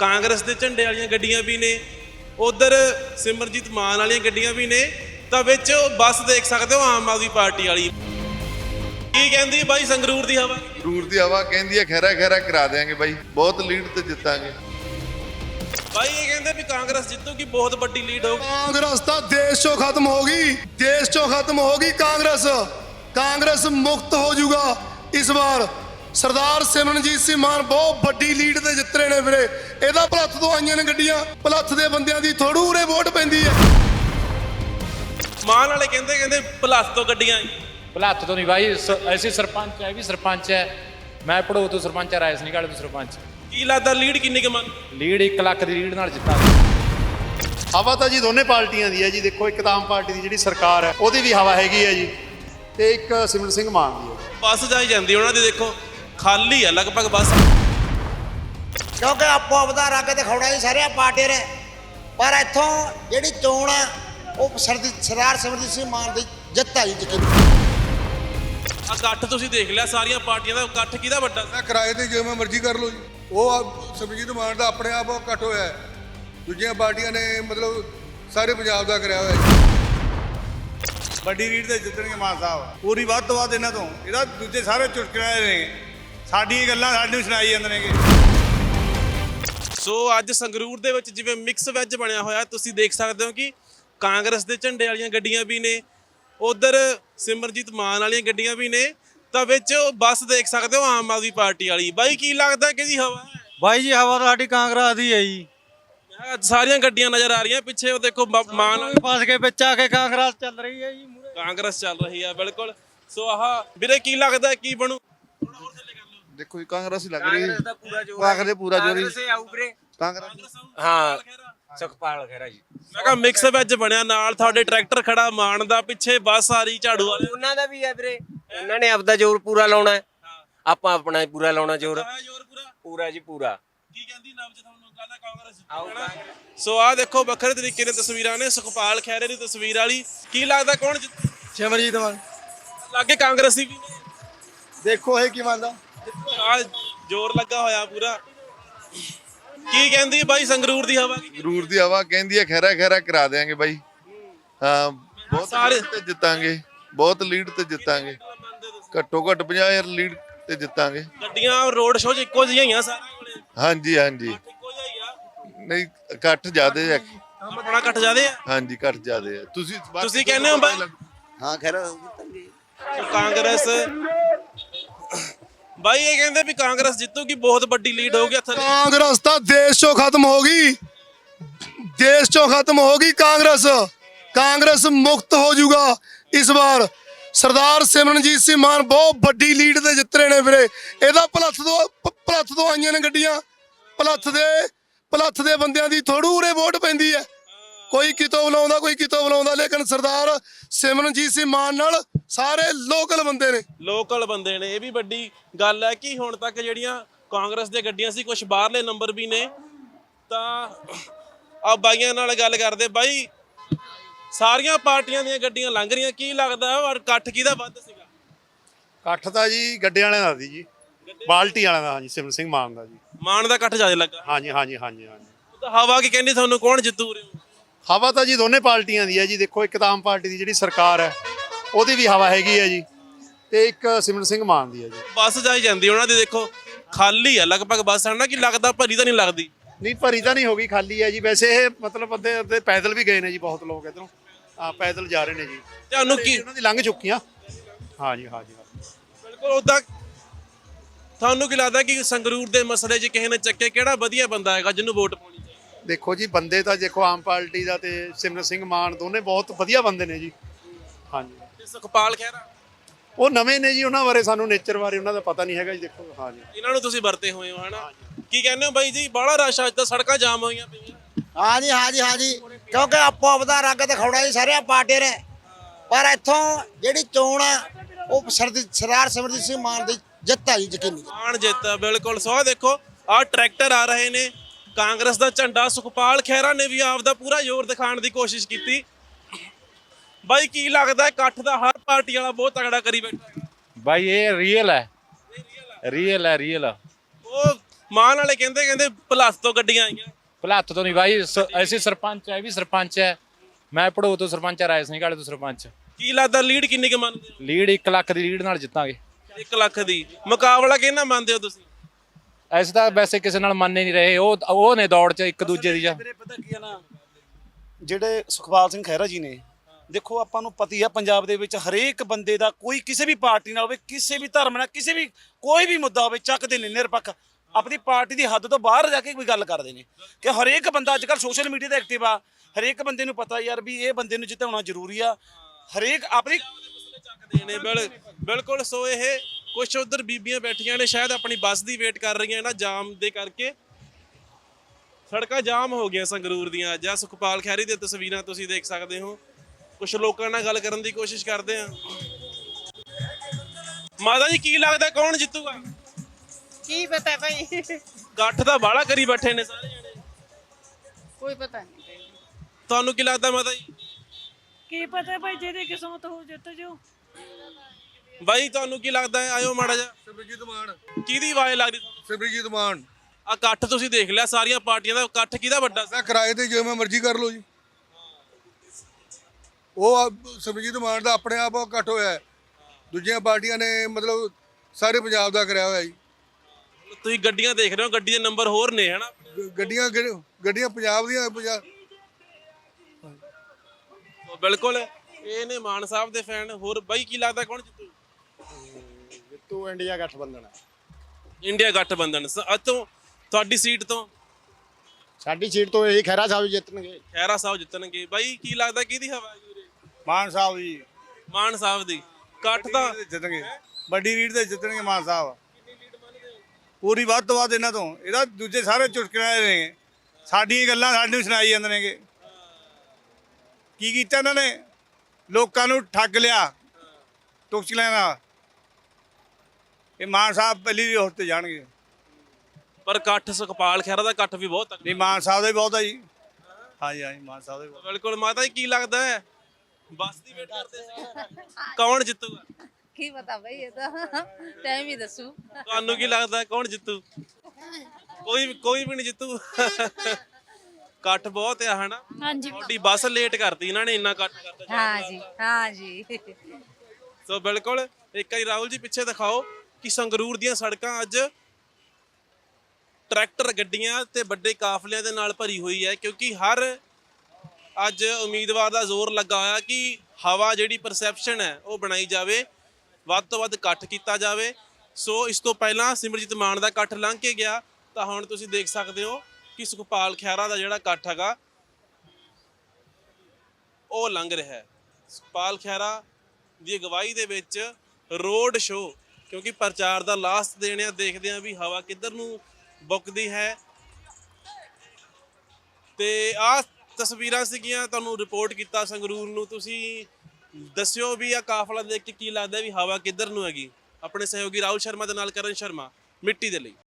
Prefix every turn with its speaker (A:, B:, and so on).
A: ਕਾਂਗਰਸ ਦੇ ਝੰਡੇ ਵਾਲੀਆਂ ਗੱਡੀਆਂ ਵੀ ਨੇ, ਉਧਰ ਸਿਮਰਜੀਤ ਮਾਨ ਵਾਲੀਆਂ ਗੱਡੀਆਂ ਵੀ ਨੇ, ਤਾਂ ਵਿੱਚ ਬੱਸ ਦੇਖ ਸਕਦੇ ਹੋ ਆਮ ਆਦਮੀ ਪਾਰਟੀ ਵਾਲੀ। ਕੀ ਕਹਿੰਦੀ ਬਾਈ ਸੰਗਰੂਰ ਦੀ ਹਵਾ?
B: ਸੰਗਰੂਰ ਦੀ ਹਵਾ ਕਹਿੰਦੀ ਹੈ ਖੈਰਾ ਖੈਰਾ ਕਰਾ ਦੇਾਂਗੇ ਬਾਈ, ਬਹੁਤ ਲੀਡ ਤੇ ਜਿੱਤਾਂਗੇ
A: ਬਾਈ। ਇਹ ਕਹਿੰਦੇ ਵੀ ਕਾਂਗਰਸ ਜਿੱਤੂਗੀ, ਬਹੁਤ ਵੱਡੀ ਲੀਡ ਹੋਊਗੀ।
C: ਕਾਂਗਰਸ ਤਾਂ ਦੇਸ਼ ਚੋਂ ਖਤਮ ਹੋ ਗਈ, ਦੇਸ਼ ਚੋਂ ਖਤਮ ਹੋ ਗਈ ਕਾਂਗਰਸ। ਕਾਂਗਰਸ ਮੁਕਤ ਹੋ ਜਾਊਗਾ ਇਸ ਵਾਰ। ਸਰਦਾਰ ਸਿਮਰਨਜੀਤ ਸਿੰਘ ਮਾਨ ਬਹੁਤ ਵੱਡੀ ਲੀਡ ਤੇ ਜਿੱਤ ਰਹੇ ਨੇ ਵੀਰੇ। ਇਹਦਾ ਭਲੱਥ ਤੋਂ ਆਈਆਂ ਨੇ ਗੱਡੀਆਂ, ਭਲੱਥ ਦੇ ਬੰਦਿਆਂ ਦੀ ਥੋੜੂ ਉਰੇ ਵੋਟ ਪੈਂਦੀ ਹੈ।
A: ਮਾਨ ਵਾਲੇ ਕਹਿੰਦੇ ਪਲੱਸ ਤੋਂ ਗੱਡੀਆਂ ਆਈ।
D: ਭਲੱਥ ਤੋਂ ਨਹੀਂ ਬਾਈ, ਐਸੀ ਸਰਪੰਚ ਹੈ, ਵੀ ਸਰਪੰਚ ਹੈ। ਮੈਂ ਪੜੋ ਤੋਂ ਸਰਪੰਚ, ਰਾਇਸ ਨਹੀਂ ਕਾਲੇ ਤੋਂ ਸਰਪੰਚ।
A: ਕੀ ਲੱਗਦਾ ਲੀਡ ਕਿੰਨੀ ਕੁ ਮੰਨ?
D: ਲੀਡ 1 ਲੱਖ ਦੀ ਲੀਡ ਨਾਲ ਜਿੱਤਾ।
E: ਹਵਾ ਤਾਂ ਜੀ ਦੋਨੇ ਪਾਰਟੀਆਂ ਦੀ ਹੈ ਜੀ। ਦੇਖੋ, ਇੱਕ ਤਾਂ ਆਮ ਪਾਰਟੀ ਦੀ ਜਿਹੜੀ ਸਰਕਾਰ ਹੈ ਉਹਦੀ ਵੀ ਹਵਾ ਹੈਗੀ ਹੈ ਜੀ, ਤੇ ਇੱਕ ਸਿਮਰਜੀਤ ਸਿੰਘ ਮਾਨ ਦੀ ਹੈ।
A: ਬੱਸ ਜਾਈ ਜਾਂਦੀ ਉਹਨਾਂ ਦੀ, ਦੇਖੋ ਖਾਲੀ ਹੈ ਲਗਭਗ ਬੱਸ।
F: ਕਿਉਂਕਿ ਆਪੋ ਆਪਦਾ ਰੰਗ ਦਿਖਾਉਣਾ ਹੀ ਸਾਰੀਆਂ ਪਾਰਟੀਆਂ ਨੇ, ਪਰ ਇੱਥੋਂ ਜਿਹੜੀ ਚੋਣ ਹੈ ਉਹ ਸਰਦਾਰ ਸਿਮਰਜੀਤ ਸਿੰਘ ਮਾਨ ਦੀ ਜਿੱਤ ਹੈ ਜੀ ਯਕੀਨੀ।
A: ਇਕੱਠ ਤੁਸੀਂ ਦੇਖ ਲਿਆ, ਸਾਰੀਆਂ ਪਾਰਟੀਆਂ ਦਾ ਇਕੱਠ ਕਿਹਦਾ ਵੱਡਾ?
G: ਕਿਰਾਏ ਤੇ ਜਿਵੇਂ ਮਰਜ਼ੀ ਕਰ ਲਓ ਜੀ। ਉਹ ਸਿਮਰਜੀਤ ਮਾਨ ਦਾ ਆਪਣੇ ਆਪ ਇਕੱਠ ਹੋਇਆ ਹੈ, ਦੂਜੀਆਂ ਪਾਰਟੀਆਂ ਨੇ ਮਤਲਬ ਸਾਰੇ ਪੰਜਾਬ ਦਾ ਕਰਿਆ ਹੋਇਆ ਹੈ।
H: ਵੱਡੀ ਰੀਡ ਤੇ ਜਿੱਤਣਗੇ ਮਾਨ ਸਾਹਿਬ, ਪੂਰੀ ਵੱਧ ਤੋਂ ਵੱਧ ਇਹਨਾਂ ਤੋਂ। ਇਹਦਾ ਦੂਜੇ ਸਾਰੇ ਚੁਟਕਲੇ ਨੇ, ਸਾਡੀਆਂ ਗੱਲਾਂ ਸਾਨੂੰ ਸੁਣਾਈ ਜਾਂਦੇ ਨੇਗੇ।
A: ਸੋ ਅੱਜ ਸੰਗਰੂਰ ਦੇ ਵਿੱਚ ਜਿਵੇਂ ਮਿਕਸ ਵੈਜ ਬਣਿਆ ਹੋਇਆ, ਤੁਸੀਂ ਦੇਖ ਸਕਦੇ ਹੋ ਕਿ ਕਾਂਗਰਸ ਦੇ ਝੰਡੇ ਵਾਲੀਆਂ ਗੱਡੀਆਂ ਵੀ ਨੇ, ਉਧਰ ਸਿਮਰਜੀਤ ਮਾਨ ਵਾਲੀਆਂ ਗੱਡੀਆਂ ਵੀ ਨੇ, ਤਾਂ ਵਿੱਚ ਬੱਸ ਦੇਖ ਸਕਦੇ ਹੋ ਆਮ ਆਦਮੀ ਪਾਰਟੀ ਵਾਲੀ। ਬਾਈ ਕੀ ਲੱਗਦਾ ਕਿਹਦੀ ਹਵਾ ਹੈ?
I: ਬਾਈ ਜੀ ਹਵਾ ਤਾਂ ਸਾਡੀ ਕਾਂਗਰਸ ਦੀ ਹੈ ਜੀ।
A: ਸਾਰੀਆਂ ਗੱਡੀਆਂ ਨਜ਼ਰ ਆ ਰਹੀਆਂ ਪਿੱਛੇ, ਉਹ ਦੇਖੋ ਮਾਨ
I: ਫਸ ਕੇ ਵਿੱਚ ਆ ਕੇ ਕਾਂਗਰਸ ਚੱਲ ਰਹੀ ਹੈ ਜੀ।
A: ਕਾਂਗਰਸ ਚੱਲ ਰਹੀ ਆ ਬਿਲਕੁਲ। ਸੋ ਆਹ ਵੀਰੇ ਕੀ ਲੱਗਦਾ ਕੀ ਬਣੂ?
B: ਦੇਖੋ ਜੀ ਕਾਂਗਰਸ ਹੀ ਲੱਗ ਰਹੀ ਹੈ, ਕਾਂਗਰਸ ਪੂਰਾ ਜੋਰੀ ਕਾਂਗਰਸ।
D: ਹਾਂ, ਸੁਖਪਾਲ ਖਹਿਰਾ ਜੀ।
A: ਮੈਂ ਕਿਹਾ ਮਿਕਸ ਵੈਜ ਬਣਿਆ, ਨਾਲ ਤੁਹਾਡੇ ਟਰੈਕਟਰ ਖੜਾ ਮਾਨ ਦਾ, ਪਿੱਛੇ ਬੱਸ ਆ ਰਹੀ ਝਾੜੂ ਵਾਲੇ।
J: ਉਹਨਾਂ ਦਾ ਵੀ ਹੈ ਵੀਰੇ, ਉਹਨਾਂ ਨੇ ਆਪਦਾ ਜ਼ੋਰ ਪੂਰਾ ਲਾਉਣਾ ਹੈ, ਆਪਾਂ ਆਪਣਾ ਪੂਰਾ ਲਾਉਣਾ ਜ਼ੋਰ। ਪੂਰਾ ਜੀ ਪੂਰਾ।
A: ਕੀ ਕਹਿੰਦੀ ਨਬਜ ਤੁਹਾਨੂੰ? ਕਹਿੰਦਾ ਕਾਂਗਰਸ। ਸੋ ਆਹ ਦੇਖੋ ਵੱਖਰੇ ਤਰੀਕੇ ਦੀਆਂ ਤਸਵੀਰਾਂ ਨੇ, ਸੁਖਪਾਲ ਖਹਿਰੇ ਦੀ ਤਸਵੀਰ ਵਾਲੀ। ਕੀ ਲੱਗਦਾ ਕੌਣ ਜਿੱਤੂ?
C: ਸਿਮਰਜੀਤ ਮਾਨ
A: ਲਾਗੇ ਕਾਂਗਰਸੀ ਵੀ ਨੇ,
C: ਦੇਖੋ ਇਹ ਕੀ ਮੰਨਦਾ।
A: ਆ ਜ਼ੋਰ ਲੱਗਾ ਹੋਇਆ ਪੂਰਾ। ਕੀ ਕਹਿੰਦੀ ਬਾਈ ਸੰਗਰੂਰ ਦੀ ਹਵਾ?
B: ਸੰਗਰੂਰ ਦੀ ਹਵਾ ਕਹਿੰਦੀ ਹੈ ਖੈਰਾ ਖੈਰਾ ਕਰਾ ਦੇਾਂਗੇ ਬਾਈ, ਹਾਂ ਬਹੁਤ
A: ਸਾਰੇ
B: ਲੀਡ ਤੇ ਜਿੱਤਾਂਗੇ, ਬਹੁਤ ਲੀਡ ਤੇ ਜਿੱਤਾਂਗੇ, ਘੱਟੋ ਘੱਟ 50,000 ਲੀਡ ਤੇ ਜਿੱਤਾਂਗੇ।
A: ਗੱਡੀਆਂ ਰੋਡ ਸ਼ੋਅ 'ਚ ਇੱਕੋ ਜਿਹੀਆਂ ਹੀ ਆ ਸਾਰਿਆਂ ਕੋਲੇ।
B: ਹਾਂਜੀ ਹਾਂਜੀ,
A: ਇੱਕੋ ਜਿਹਾ ਹੀ ਆ,
B: ਨਹੀਂ ਇਕੱਠ ਜ਼ਿਆਦੇ ਹੈ।
A: ਆਪਣਾ ਘੱਟ ਜਾਦੇ ਆ।
B: ਹਾਂਜੀ ਘੱਟ ਜ਼ਿਆਦੇ ਹੈ। ਤੁਸੀਂ
A: ਕਹਿੰਦੇ ਹੋ ਬਾਈ?
F: ਹਾਂ ਖੈਰ
A: ਕਾਂਗਰਸ ਬਾਈ ਇਹ ਕਹਿੰਦੇ ਵੀ ਕਾਂਗਰਸ ਜਿੱਤੂਗੀ, ਬਹੁਤ ਵੱਡੀ ਲੀਡ ਹੋਊਗੀ।
C: ਕਾਂਗਰਸ ਤਾਂ ਦੇਸ਼ ਚੋਂ ਖਤਮ ਹੋ ਗਈ, ਦੇਸ਼ ਚੋਂ ਖਤਮ ਹੋ ਗਈ ਕਾਂਗਰਸ। ਕਾਂਗਰਸ ਮੁਕਤ ਹੋ ਜਾਊਗਾ ਇਸ ਵਾਰ। ਸਰਦਾਰ ਸਿਮਰਨਜੀਤ ਸਿੰਘ ਮਾਨ ਬਹੁਤ ਵੱਡੀ ਲੀਡ ਤੇ ਜਿੱਤ ਰਹੇ ਨੇ ਵੀਰੇ। ਇਹਦਾ ਭਲੱਥ ਤੋਂ ਆਈਆਂ ਨੇ ਗੱਡੀਆਂ, ਭਲੱਥ ਦੇ ਬੰਦਿਆਂ ਦੀ ਥੋੜੂ ਉਰੇ ਵੋਟ ਪੈਂਦੀ ਹੈ। ਕੋਈ ਕਿਤੋਂ ਬੁਲਾਉਂਦਾ, ਕੋਈ ਕਿਤੋਂ ਬੁਲਾਉਂਦਾ, ਲੇਕਿਨ ਸਰਦਾਰ ਸਿਮਰਨਜੀਤ ਸਿੰਘ ਮਾਨ ਨਾਲ ਸਾਰੇ ਲੋਕਲ ਬੰਦੇ ਨੇ।
A: ਲੋਕਲ ਬੰਦੇ ਨੇ, ਇਹ ਵੀ ਵੱਡੀ ਗੱਲ ਹੈ ਕਿ ਹੁਣ ਤੱਕ ਜਿਹੜੀਆਂ ਕਾਂਗਰਸ ਦੀਆਂ ਗੱਡੀਆਂ ਸੀ, ਕੁਝ ਬਾਹਰਲੇ ਨੰਬਰ ਵੀ ਨੇ। ਤਾਂ ਆ ਬਾਈਆਂ ਨਾਲ ਗੱਲ ਕਰਦੇ। ਬਾਈ ਸਾਰੀਆਂ ਪਾਰਟੀਆਂ ਦੀਆਂ ਗੱਡੀਆਂ ਲੰਘ ਰਹੀਆਂ, ਕੀ ਲੱਗਦਾ ਔਰ ਇਕੱਠ ਕਿਹਦਾ ਵੱਧ ਸੀਗਾ?
E: ਇਕੱਠ ਤਾਂ ਜੀ ਗੱਡੇ ਵਾਲਿਆਂ ਦਾ ਸੀ ਜੀ, ਬਾਲਟੀ ਵਾਲਿਆਂ ਦਾ। ਹਾਂਜੀ, ਸਿਮਰਜੀਤ ਸਿੰਘ ਮਾਨ ਦਾ ਜੀ।
A: ਮਾਨ ਦਾ ਇਕੱਠ ਜ਼ਿਆਦਾ ਲੱਗਾ।
E: ਹਾਂਜੀ ਹਾਂਜੀ ਹਾਂਜੀ ਹਾਂਜੀ।
A: ਤਾਂ ਹਵਾ ਕੀ ਕਹਿੰਦੀ ਤੁਹਾਨੂੰ, ਕੌਣ ਜਿੱਤੂ ਰਹੇ ਹੋ?
E: ਹਵਾ ਤਾਂ ਜੀ ਦੋਨੇ ਪਾਰਟੀਆਂ ਦੀ ਹੈ ਜੀ। ਦੇਖੋ, ਇੱਕ ਤਾਂ ਆਮ ਪਾਰਟੀ ਦੀ ਜਿਹੜੀ ਸਰਕਾਰ ਹੈ ਉਹਦੀ ਵੀ ਹਵਾ ਹੈਗੀ ਹੈ ਜੀ, ਤੇ ਇੱਕ ਸਿਮਰਜੀਤ ਸਿੰਘ ਮਾਨ ਦੀ ਹੈ ਜੀ।
A: ਬੱਸ ਜਾਈ ਜਾਂਦੀ ਉਹਨਾਂ ਦੀ, ਦੇਖੋ ਖਾਲੀ ਹੈ ਲਗਭਗ ਬੱਸ। ਹੈ ਨਾ, ਕਿ ਲੱਗਦਾ ਭਰੀ ਤਾਂ ਨਹੀਂ ਲੱਗਦੀ?
E: ਨਹੀਂ, ਭਰੀ ਤਾਂ ਨਹੀਂ ਹੋ ਗਈ, ਖਾਲੀ ਹੈ ਜੀ। ਵੈਸੇ ਇਹ ਮਤਲਬ ਅੱਧੇ ਪੈਦਲ ਵੀ ਗਏ ਨੇ ਜੀ, ਬਹੁਤ ਲੋਕ ਇੱਧਰੋਂ ਪੈਦਲ ਜਾ ਰਹੇ ਨੇ ਜੀ।
A: ਤੁਹਾਨੂੰ ਕੀ
E: ਉਹਨਾਂ ਦੀ ਲੰਘ ਚੁੱਕੀਆਂ। ਹਾਂਜੀ ਹਾਂਜੀ
A: ਬਿਲਕੁਲ। ਉਦਾਂ ਤੁਹਾਨੂੰ ਕੀ ਲੱਗਦਾ ਕਿ ਸੰਗਰੂਰ ਦੇ ਮਸਲੇ 'ਚ ਕਿਸੇ ਨੇ ਚੱਕੇ ਕਿਹੜਾ ਵਧੀਆ ਬੰਦਾ ਹੈਗਾ ਜਿਹਨੂੰ ਵੋਟ ਪਾਉਣੀ ਚਾਹੀਦੀ?
E: ਦੇਖੋ ਜੀ, ਬੰਦੇ ਤਾਂ ਦੇਖੋ ਆਮ ਪਾਰਟੀ ਦਾ ਤੇ ਸਿਮਰਜੀਤ ਸਿੰਘ ਮਾਨ ਦੋਨੇ ਬਹੁਤ ਵਧੀਆ ਬੰਦੇ ਨੇ ਜੀ। ਹਾਂਜੀ।
A: ਤੇ ਸੁਖਪਾਲ ਖਹਿਰਾ
E: ਉਹ ਨਵੇਂ ਨੇ ਜੀ, ਉਹਨਾਂ ਬਾਰੇ ਸਾਨੂੰ ਨੇਚਰ ਬਾਰੇ ਉਹਨਾਂ ਦਾ ਪਤਾ ਨਹੀਂ ਹੈਗਾ ਜੀ। ਦੇਖੋ ਹਾਂਜੀ,
A: ਇਹਨਾਂ ਨੂੰ ਤੁਸੀਂ ਵਰਤੇ ਹੋਏ ਹੋ ਹਨਾ। ਕੀ ਕਹਿੰਦੇ ਹੋ ਬਾਈ ਜੀ? ਬਾਹਲਾ ਰਸ਼ ਅੱਜ ਤਾਂ ਸੜਕਾਂ ਜਾਮ ਹੋਈਆਂ ਪਈਆਂ।
F: ਹਾਂਜੀ ਕਿਉਂਕਿ ਆਪੋ ਆਪਦਾ ਰੰਗ ਦਿਖਾਉਣਾ ਹੀ ਸਾਰੀਆਂ ਪਾਰਟੀਆਂ ਨੇ, ਪਰ ਇੱਥੋਂ ਜਿਹੜੀ ਚੋਣ ਹੈ ਉਹ ਸਰਦਾਰ ਸਿਮਰਜੀਤ ਸਿੰਘ ਮਾਨ ਦੀ ਜਿੱਤ ਹੈ ਯਕੀਨੀ।
A: ਮਾਨ ਜਿੱਤ ਬਿਲਕੁਲ। ਸੋ ਦੇਖੋ ਆਹ ਟਰੈਕਟਰ ਆ ਰਹੇ ਨੇ, ਕਾਂਗਰਸ ਦਾ ਝੰਡਾ। ਸੁਖਪਾਲ ਖਹਿਰਾ ਨੇ ਵੀ ਆਪਦਾ ਪੂਰਾ ਜ਼ੋਰ ਦਿਖਾਉਣ ਦੀ ਕੋਸ਼ਿਸ਼ ਕੀਤੀ। ਬਾਈ ਕੀ ਲੱਗਦਾ ਇਕੱਠ ਦਾ ਹਰ ਪਾਰਟੀ ਵਾਲਾ ਬਹੁਤ ਤਗੜਾ ਕਰੀ ਬੈਠਾ?
D: ਬਾਈ ਇਹ ਰੀਅਲ ਹੈ, ਰੀਅਲ ਹੈ, ਰੀਅਲ।
A: ਉਹ ਮਾਨ ਵਾਲੇ ਕਹਿੰਦੇ ਭਲੱਥ ਤੋਂ ਗੱਡੀਆਂ ਆਈਆਂ।
D: ਭਲੱਥ ਤੋਂ ਨਹੀਂ ਬਾਈ, ਐਸੀ ਸਰਪੰਚ ਹੈ, ਇਹ ਵੀ ਸਰਪੰਚ ਹੈ। ਮੈਂ ਪੜੋ ਤੋਂ ਸਰਪੰਚ ਆ, ਰਾਏ ਸਿੰਘ ਵਾਲੇ ਤੋਂ ਸਰਪੰਚ।
A: ਕੀ ਲੱਗਦਾ ਲੀਡ ਕਿੰਨੀ ਕੁ ਮੰਨਦੇ ਹੋ?
D: ਲੀਡ 1 ਲੱਖ ਦੀ ਲੀਡ ਨਾਲ ਜਿੱਤਾਂਗੇ।
A: 1 ਲੱਖ ਦੀ ਮੁਕਾਬਲਾ ਕਿਹਨਾਂ ਮੰਨਦੇ ਹੋ ਤੁਸੀਂ?
D: ਐਸੇ ਤਾਂ ਵੈਸੇ ਕਿਸੇ ਨਾਲ ਮੰਨ ਹੀ ਨਹੀਂ ਰਹੇ, ਉਹ ਨੇ ਦੌੜ 'ਚ ਇੱਕ ਦੂਜੇ ਦੀ ਜਾਂ।
K: ਵੀਰੇ ਪਤਾ ਕੀ ਆ ਨਾ, ਜਿਹੜੇ ਸੁਖਪਾਲ ਸਿੰਘ ਖਹਿਰਾ ਜੀ ਨੇ, ਦੇਖੋ ਆਪਾਂ ਨੂੰ ਪਤੀ ਆ ਪੰਜਾਬ ਦੇ ਵਿੱਚ ਹਰੇਕ ਬੰਦੇ ਦਾ, ਕੋਈ ਕਿਸੇ ਵੀ ਪਾਰਟੀ ਨਾਲ ਹੋਵੇ, ਕਿਸੇ ਵੀ ਧਰਮ ਨਾਲ, ਕਿਸੇ ਵੀ ਕੋਈ ਵੀ ਮੁੱਦਾ ਹੋਵੇ, ਚੱਕਦੇ ਨੇ ਨਿਰਪੱਖ, ਆਪਣੀ ਪਾਰਟੀ ਦੀ ਹੱਦ ਤੋਂ ਬਾਹਰ ਜਾ ਕੇ ਕੋਈ ਗੱਲ ਕਰਦੇ ਨੇ। ਕਿ ਹਰੇਕ ਬੰਦਾ ਅੱਜ ਕੱਲ੍ਹ ਸੋਸ਼ਲ ਮੀਡੀਆ ਤੇ ਐਕਟਿਵ ਆ, ਹਰੇਕ ਬੰਦੇ ਨੂੰ ਪਤਾ ਯਾਰ ਵੀ ਇਹ ਬੰਦੇ ਨੂੰ ਜਿਤਾਉਣਾ ਜ਼ਰੂਰੀ ਆ, ਹਰੇਕ ਆਪਣੀ
A: ਚੱਕਦੇ ਨੇ ਬਿਲਕੁਲ। ਸੋ ਇਹ ਕੁਛ ਉਧਰ ਬੀਬੀਆਂ ਬੈਠੀਆਂ ਨੇ, ਸ਼ਾਇਦ ਆਪਣੀ ਬੱਸ ਦੀ ਵੇਟ ਕਰ ਰਹੀਆਂ ਨਾ, ਜਾਮ ਦੇ ਕਰਕੇ ਸੜਕਾਂ ਜਾਮ ਹੋ ਗਈਆਂ ਸੰਗਰੂਰ ਦੀਆਂ। ਜਾਂ ਸੁਖਪਾਲ ਖਹਿਰੀ ਦੀਆਂ ਤਸਵੀਰਾਂ ਤੁਸੀਂ ਦੇਖ ਸਕਦੇ ਹੋ। ਕੁਝ ਲੋਕਾਂ ਨਾਲ ਗੱਲ ਕਰਨ ਦੀ ਕੋਸ਼ਿਸ਼ ਕਰਦੇ ਆ। ਮਾਤਾ ਜੀ ਕੀ ਲੱਗਦਾ ਕੌਣ ਜਿੱਤੂਗਾ?
L: ਕੀ ਪਤਾ ਭਾਈ,
A: ਗੱਠ ਤਾਂ ਬਾਹਲਾ ਕਰੀ ਬੈਠੇ ਨੇ ਸਾਰੇ ਜਣੇ।
L: ਕੋਈ ਪਤਾ ਨਹੀਂ।
A: ਤੁਹਾਨੂੰ ਕੀ ਲੱਗਦਾ ਮਾਤਾ ਜੀ?
L: ਕੀ ਪਤਾ ਭਾਈ, ਜਿਹਦੀ ਕਿਸਮਤ ਹੋ ਜਿੱਤ ਜੋ।
A: ਬਾਈ ਤੁਹਾਨੂੰ ਕੀ ਲੱਗਦਾ ਹੈ? ਆਇਓ ਮਾੜਾ ਜਿਹਾ।
G: ਸਿਮਰਜੀਤ ਮਾਨ।
A: ਕਿਹਦੀ ਆਵਾਜ਼ ਲੱਗਦੀ ਤੁਹਾਨੂੰ?
G: ਸਿਮਰਜੀਤ ਮਾਨ।
A: ਆ ਇਕੱਠ ਤੁਸੀਂ ਦੇਖ ਲਿਆ, ਸਾਰੀਆਂ ਪਾਰਟੀਆਂ ਦਾ ਇਕੱਠ ਕਿਹਦਾ ਵੱਡਾ ਸੀ?
G: ਕਿਰਾਏ ਤੇ ਜਿਵੇਂ ਮਰਜ਼ੀ ਕਰ ਲਓ ਜੀ। ਉਹ ਸਿਮਰਜੀਤ ਮਾਨ ਦਾ ਆਪਣੇ ਆਪ ਇਕੱਠ ਹੋਇਆ ਹੈ। ਦੂਜੀਆਂ ਪਾਰਟੀਆਂ ਨੇ ਮਤਲਬ ਸਾਰੇ ਪੰਜਾਬ ਦਾ ਕਰਿਆ ਹੋਇਆ ਜੀ।
A: ਤੁਸੀਂ ਗੱਡੀਆਂ ਦੇਖ ਰਹੇ ਹੋ, ਗੱਡੀ ਦੇ ਨੰਬਰ ਹੋਰ ਨੇ ਹਨਾ?
G: ਗੱਡੀਆਂ ਪੰਜਾਬ ਦੀਆਂ
A: ਬਿਲਕੁਲ ਇਹ ਨੇ ਮਾਨ ਸਾਹਿਬ ਦੇ ਫੈਨ। ਹੋਰ ਬਾਈ ਕੀ ਲੱਗਦਾ ਕੌਣ ਜਿੱਤੂ?
E: ਜਿੱਤੂ ਇੰਡੀਆ ਗਠਬੰਧਨ।
A: ਇੰਡੀਆ ਗਠਬੰਧਨ। ਤੋਂ ਤੁਹਾਡੀ ਸੀਟ ਤੋਂ?
E: ਸਾਡੀ ਸੀਟ ਤੋਂ ਇਹੀ ਖਹਿਰਾ ਸਾਹਿਬ ਜਿੱਤਣਗੇ।
A: ਖਹਿਰਾ ਸਾਹਿਬ ਜਿੱਤਣਗੇ। ਬਾਈ ਕੀ ਲੱਗਦਾ ਕਿਹਦੀ ਹਵਾ ਹੈ ਵੀਰੇ?
H: ਮਾਨ ਸਾਹਿਬ ਜੀ।
A: ਮਾਨ ਸਾਹਿਬ ਦੀ। ਇਕੱਠ ਤਾਂ
H: ਜਿੱਤਣਗੇ, ਵੱਡੀ ਲੀਡ ਤੇ ਜਿੱਤਣਗੇ ਮਾਨ ਸਾਹਿਬ। ਪੂਰੀ ਵੱਧ ਤੋਂ ਵੱਧ ਇਹਨਾਂ ਤੋਂ। ਇਹਦਾ ਦੂਜੇ ਸਾਰੇ ਚੁਟਕਲੇ ਨੇ, ਸਾਡੀਆਂ ਗੱਲਾਂ ਸਾਨੂੰ ਸੁਣਾਈ ਜਾਂਦੇ ਨੇਗੇ। ਕੀ ਕੀਤਾ ਇਹਨਾਂ ਨੇ? ਲੋਕਾਂ ਨੂੰ ਠੱਗ ਲਿਆ ਚੁਟਕਲਿਆਂ ਨਾਲ। ਇਹ ਮਾਨ ਸਾਹਿਬ ਪਹਿਲੀ ਵੀ ਹੋਰ ਤੇ ਜਾਣਗੇ।
A: ਪਰ ਇਕੱਠ ਸੁਖਪਾਲ ਖਹਿਰਾ ਦਾ ਇਕੱਠ ਵੀ ਬਹੁਤ ਤਕੜਾ।
H: ਨਹੀਂ, ਮਾਨ ਸਾਹਿਬ ਦਾ ਵੀ ਬਹੁਤ ਆ ਜੀ। ਹਾਂਜੀ ਹਾਂਜੀ, ਮਾਨ ਸਾਹਿਬ ਦਾ ਵੀ ਬਹੁਤ।
A: ਬਿਲਕੁਲ। ਮਾਤਾ ਜੀ ਕੀ ਲੱਗਦਾ ਹੈ? ਬੱਸ ਦੀ ਵੇਟ ਕਰਦੇ ਸੀ, ਕੌਣ ਜਿੱਤੂਗਾ?
L: ਕੀ ਪਤਾ ਭਾਈ, ਇਹ ਤਾਂ ਟਾਈਮ ਹੀ ਦੱਸੂ।
A: ਤੁਹਾਨੂੰ ਕੀ ਲੱਗਦਾ ਕੌਣ ਜਿੱਤੂ? ਕੋਈ ਵੀ ਨਹੀਂ ਜਿੱਤੂ। ਇਕੱਠ ਬਹੁਤ ਆ ਹਨਾ?
L: ਹਾਂਜੀ
A: ਤੁਹਾਡੀ ਬੱਸ ਲੇਟ ਕਰਤੀ ਇਹਨਾਂ ਨੇ, ਇੰਨਾ ਇਕੱਠ ਕਰਤਾ।
L: ਹਾਂਜੀ ਹਾਂਜੀ।
A: ਸੋ ਬਿਲਕੁਲ ਇੱਕ ਵਾਰੀ ਰਾਹੁਲ ਜੀ ਪਿੱਛੇ ਦਿਖਾਓ ਕਿ ਸੰਗਰੂਰ ਦੀਆਂ ਸੜਕਾਂ ਅੱਜ ਟਰੈਕਟਰ ਗੱਡੀਆਂ ਤੇ ਵੱਡੇ ਕਾਫਲਿਆਂ ਦੇ ਨਾਲ ਭਰੀ ਹੋਈ ਹੈ। ਕਿਉਂਕਿ ਹਰ ਅੱਜ ਉਮੀਦਵਾਰ ਦਾ ਜ਼ੋਰ ਲੱਗਾ ਹੋਇਆ ਕਿ ਹਵਾ ਜਿਹੜੀ ਪਰਸੈਪਸ਼ਨ ਹੈ ਉਹ ਬਣਾਈ ਜਾਵੇ, ਵੱਧ ਤੋਂ ਵੱਧ ਇਕੱਠ ਕੀਤਾ ਜਾਵੇ। ਸੋ ਇਸ ਤੋਂ ਪਹਿਲਾਂ ਸਿਮਰਜੀਤ ਮਾਨ ਦਾ ਇਕੱਠ ਲੰਘ ਕੇ ਗਿਆ, ਤਾਂ ਹੁਣ ਤੁਸੀਂ ਦੇਖ ਸਕਦੇ ਹੋ ਕਿ ਸੁਖਪਾਲ ਖਹਿਰਾ ਦਾ ਜਿਹੜਾ ਇਕੱਠ ਹੈਗਾ ਉਹ ਲੰਘ ਰਿਹਾ ਹੈ। ਸੁਖਪਾਲ ਖਹਿਰਾ ਦੀ ਅਗਵਾਈ ਦੇ ਵਿੱਚ ਰੋਡ ਸ਼ੋਅ, ਕਿਉਂਕਿ ਪ੍ਰਚਾਰ ਦਾ ਲਾਸਟ ਦਿਨ ਆ, ਦੇਖਦੇ ਆ ਵੀ ਹਵਾ ਕਿੱਧਰ ਨੂੰ ਬੁੱਕਦੀ ਹੈ। ਤੇ ਆਹ ਤਸਵੀਰਾਂ ਸੀਗੀਆਂ, ਤੁਹਾਨੂੰ ਰਿਪੋਰਟ ਕੀਤਾ ਸੰਗਰੂਰ ਨੂੰ। ਤੁਸੀਂ ਦੱਸਿਓ ਵੀ ਆ ਕਾਫਲਾ ਦੇਖ ਕੇ ਕੀ ਲੱਗਦਾ ਵੀ ਹਵਾ ਕਿੱਧਰ ਨੂੰ ਹੈਗੀ। ਆਪਣੇ ਸਹਿਯੋਗੀ ਰਾਹੁਲ ਸ਼ਰਮਾ ਦੇ ਨਾਲ ਕਰਨ ਸ਼ਰਮਾ, ਮਿੱਟੀ ਦੇ ਲਈ।